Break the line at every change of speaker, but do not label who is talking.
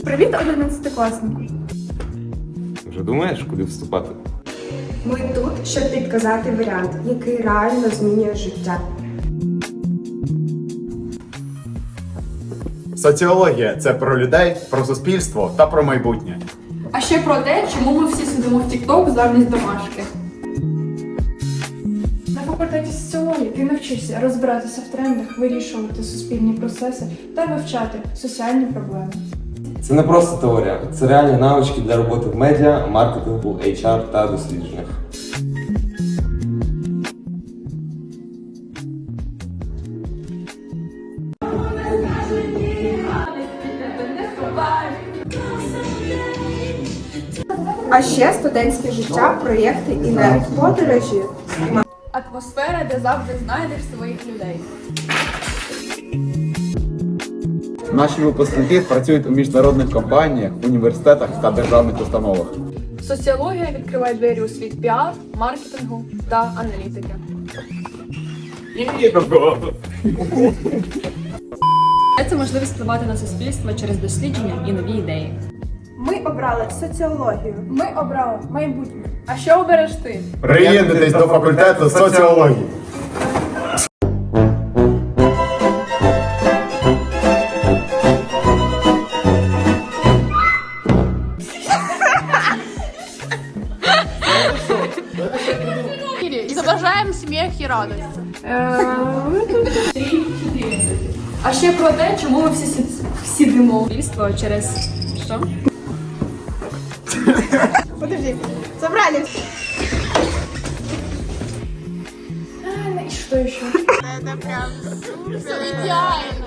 Привіт, 11-класнику.
Вже думаєш, куди вступати?
Ми тут, щоб підказати варіант, який реально змінює життя.
Соціологія – це про людей, про суспільство та про майбутнє.
А ще про те, чому ми всі сидимо в TikTok замість домашки. На факультеті соціології ти навчишся розбиратися в трендах, вирішувати суспільні процеси та вивчати соціальні проблеми.
Це не просто теорія, це реальні навички для роботи в медіа, маркетингу, HR та дослідженнях.
А ще студентське життя, проєкти і навіть подорожі.
Атмосфера, де завжди знайдеш своїх людей.
Наші випускники працюють у міжнародних компаніях, університетах та державних установах.
Соціологія відкриває двері у світ піар, маркетингу та аналітики.
Це можливість впливати на суспільство через дослідження і нові ідеї.
Ми обрали соціологію.
Ми обрали майбутнє. А що обереш ти?
Приєднуйтесь до факультету соціології.
Зображаємо сміх і радість. А ще про те, чому ми всі сидимо.
Суспільство через що?
Подожди, собрались.
И что еще?
Это прям супер. Идеально.